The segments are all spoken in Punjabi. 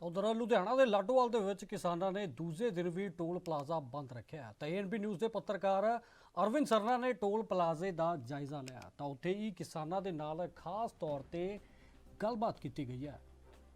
ਉਧਰ ਲੁਧਿਆਣਾ ਦੇ ਲਾਡੋਵਾਲ ਦੇ ਵਿੱਚ ਕਿਸਾਨਾਂ ਨੇ ਦੂਜੇ ਦਿਨ ਵੀ ਟੋਲ ਪਲਾਜ਼ਾ ਬੰਦ ਰੱਖਿਆ ਤਾਂ ਏਐਨਬੀ ਨਿਊਜ਼ ਦੇ ਪੱਤਰਕਾਰ ਅਰਵਿੰਦ ਸਰਨਾ ਨੇ ਟੋਲ ਪਲਾਜ਼ੇ ਦਾ ਜਾਇਜ਼ਾ ਲਿਆ ਤਾਂ ਉੱਥੇ ਹੀ ਕਿਸਾਨਾਂ ਦੇ ਨਾਲ ਖਾਸ ਤੌਰ ਤੇ ਗੱਲਬਾਤ ਕੀਤੀ ਗਈ ਹੈ।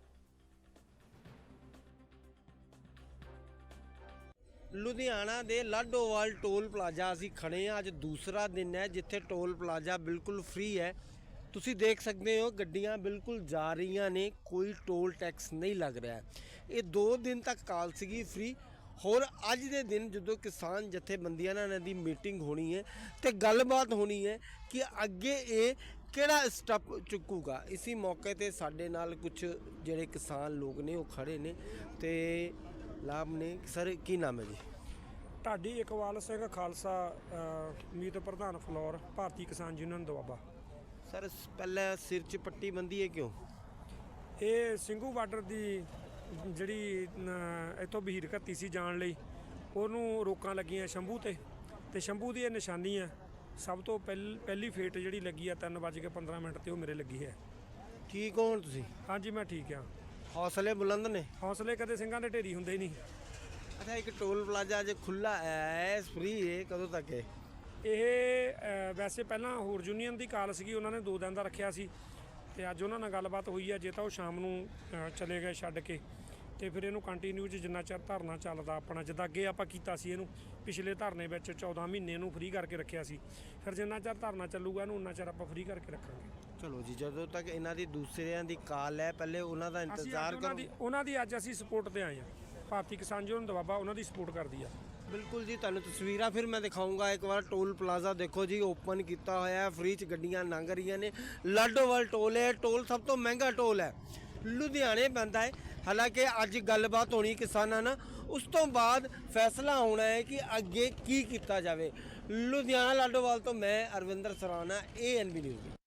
ਲੁਧਿਆਣਾ ਦੇ ਲਾਡੋਵਾਲ ਟੋਲ ਪਲਾਜ਼ਾ ਅਸੀਂ ਖੜੇ ਹਾਂ। ਅੱਜ ਦੂਸਰਾ ਦਿਨ ਹੈ ਜਿੱਥੇ ਟੋਲ ਪਲਾਜ਼ਾ ਬਿਲਕੁਲ ਫ੍ਰੀ ਹੈ। ਤੁਸੀਂ ਦੇਖ ਸਕਦੇ ਹੋ ਗੱਡੀਆਂ ਬਿਲਕੁਲ ਜਾ ਰਹੀਆਂ ਨੇ, ਕੋਈ ਟੋਲ ਟੈਕਸ ਨਹੀਂ ਲੱਗ ਰਿਹਾ। ਇਹ 2 ਦਿਨ ਤੱਕ ਕਾਲ ਸੀਗੀ ਫ੍ਰੀ। ਹੋਰ ਅੱਜ ਦੇ ਦਿਨ ਜਦੋਂ ਕਿਸਾਨ ਜਥੇਬੰਦੀਆਂ ਨਾਲ ਇਹਨਾਂ ਦੀ ਮੀਟਿੰਗ ਹੋਣੀ ਹੈ ਤੇ ਗੱਲਬਾਤ ਹੋਣੀ ਹੈ ਕਿ ਅੱਗੇ ਇਹ ਕਿਹੜਾ ਸਟੈਪ ਚੁੱਕੂਗਾ। ਇसी ਮੌਕੇ ਤੇ ਸਾਡੇ ਨਾਲ ਕੁਝ ਜਿਹੜੇ ਕਿਸਾਨ ਲੋਕ ਨੇ ਉਹ ਖੜੇ ਨੇ ਤੇ ਲਾਭ ਨੇ। ਸਰ ਕੀ ਨਾਮ ਹੈ ਜੀ? ਢਾਡੀ ਇਕਬਾਲ ਸਿੰਘ ਖਾਲਸਾ ਮੀਤ ਪ੍ਰਧਾਨ ਫਲੋਰ ਭਾਰਤੀ ਕਿਸਾਨ ਯੂਨੀਅਨ ਦੁਆਬਾ। ਸਰ ਪਹਿਲਾਂ ਸਿਰ 'ਚ ਪੱਟੀ ਬੰਦੀ ਹੈ ਕਿਉਂ? ਇਹ ਸਿੰਘੂ ਬਾਰਡਰ ਦੀ ਜਿਹੜੀ ਇੱਥੋਂ ਬਹੀਰ ਘੱਤੀ ਸੀ ਜਾਣ ਲਈ ਉਹਨੂੰ ਰੋਕਾਂ ਲੱਗੀਆਂ ਸ਼ੰਭੂ ਤੇ ਸ਼ੰਭੂ ਦੀ ਇਹ ਨਿਸ਼ਾਨੀ ਹੈ। ਸਭ ਤੋਂ ਪਹਿਲੀ ਫੇਟ ਜਿਹੜੀ ਲੱਗੀ ਆ 3:15 ਤੇ ਉਹ ਮੇਰੇ ਲੱਗੀ ਹੈ। ਠੀਕ ਹੋ ਹੁਣ ਤੁਸੀਂ? ਹਾਂਜੀ ਮੈਂ ਠੀਕ ਆ। ਹੌਸਲੇ ਬੁਲੰਦ ਨੇ? ਹੌਸਲੇ ਕਦੇ ਸਿੰਘਾਂ ਦੇ ਢੇਰੀ ਹੁੰਦੇ ਹੀ ਨਹੀਂ। ਅੱਛਾ, ਇੱਕ ਟੋਲ ਪਲਾਜ਼ਾ ਅੱਜ ਖੁੱਲ੍ਹਾ ਹੈ, ਫ੍ਰੀ ਹੈ, ਕਦੋਂ ਤੱਕ ਹੈ ਇਹ? ਵੈਸੇ ਪਹਿਲਾਂ ਹੋਰ ਯੂਨੀਅਨ ਦੀ ਕਾਲ ਸੀਗੀ, ਉਹਨਾਂ ਨੇ 2 ਦਿਨ ਦਾ ਰੱਖਿਆ ਸੀ ਤੇ ਅੱਜ ਉਹਨਾਂ ਨਾਲ ਗੱਲਬਾਤ ਹੋਈ ਹੈ। ਜੇ ਤਾਂ ਉਹ ਸ਼ਾਮ ਨੂੰ ਚਲੇ ਗਏ ਛੱਡ ਕੇ ਤੇ ਫਿਰ ਇਹਨੂੰ ਕੰਟੀਨਿਊ 'ਚ ਜਿੰਨਾ ਚਿਰ ਧਰਨਾ ਚੱਲਦਾ ਆਪਣਾ, ਜਿੱਦਾਂ ਅੱਗੇ ਆਪਾਂ ਕੀਤਾ ਸੀ ਇਹਨੂੰ ਪਿਛਲੇ ਧਰਨੇ ਵਿੱਚ 14 ਮਹੀਨੇ ਨੂੰ ਫ੍ਰੀ ਕਰਕੇ ਰੱਖਿਆ ਸੀ। ਫਿਰ ਜਿੰਨਾ ਚਿਰ ਧਰਨਾ ਚੱਲੂਗਾ ਇਹਨੂੰ ਉਨਾ ਚਿਰ ਆਪਾਂ ਫ੍ਰੀ ਕਰਕੇ ਰੱਖਾਂਗੇ। ਚਲੋ ਜੀ, ਜਦੋਂ ਤੱਕ ਇਹਨਾਂ ਦੀ ਦੂਸਰਿਆਂ ਦੀ ਕਾਲ ਹੈ ਪਹਿਲੇ ਉਹਨਾਂ ਦਾ ਇੰਤਜ਼ਾਰ ਕਰੋ। ਉਹਨਾਂ ਦੀ ਅੱਜ ਅਸੀਂ ਸਪੋਰਟ ਤੇ ਆਏ ਹਾਂ। ਭਾਰਤੀ ਕਿਸਾਨ ਯੂਨੀਅਨ ਦੁਆਬਾ ਉਹਨਾਂ ਦੀ ਸਪੋਰਟ ਕਰਦੀ ਆ। ਬਿਲਕੁਲ ਜੀ, ਤੁਹਾਨੂੰ ਤਸਵੀਰਾਂ ਫਿਰ ਮੈਂ ਦਿਖਾਊਂਗਾ ਇੱਕ ਵਾਰ। ਟੋਲ ਪਲਾਜ਼ਾ ਦੇਖੋ ਜੀ, ਓਪਨ ਕੀਤਾ ਹੋਇਆ ਹੈ, ਫ੍ਰੀ 'ਚ ਗੱਡੀਆਂ ਲੰਘ ਰਹੀਆਂ ਨੇ। ਲਾਡੋਵਾਲ ਟੋਲ ਹੈ, ਟੋਲ ਸਭ ਤੋਂ ਮਹਿੰਗਾ ਟੋਲ ਹੈ, ਲੁਧਿਆਣੇ ਪੈਂਦਾ ਹੈ। ਹਾਲਾਂਕਿ ਅੱਜ ਗੱਲਬਾਤ ਹੋਣੀ ਕਿਸਾਨਾਂ ਨਾਲ, ਉਸ ਤੋਂ ਬਾਅਦ ਫੈਸਲਾ ਹੋਣਾ ਹੈ ਕਿ ਅੱਗੇ ਕੀ ਕੀਤਾ ਜਾਵੇ। ਲੁਧਿਆਣਾ ਲਾਡੋਵਾਲ ਤੋਂ ਮੈਂ ਅਰਵਿੰਦਰ ਸਰਾਣਾ, ਏਐਨਬੀ ਨਿਊਜ਼।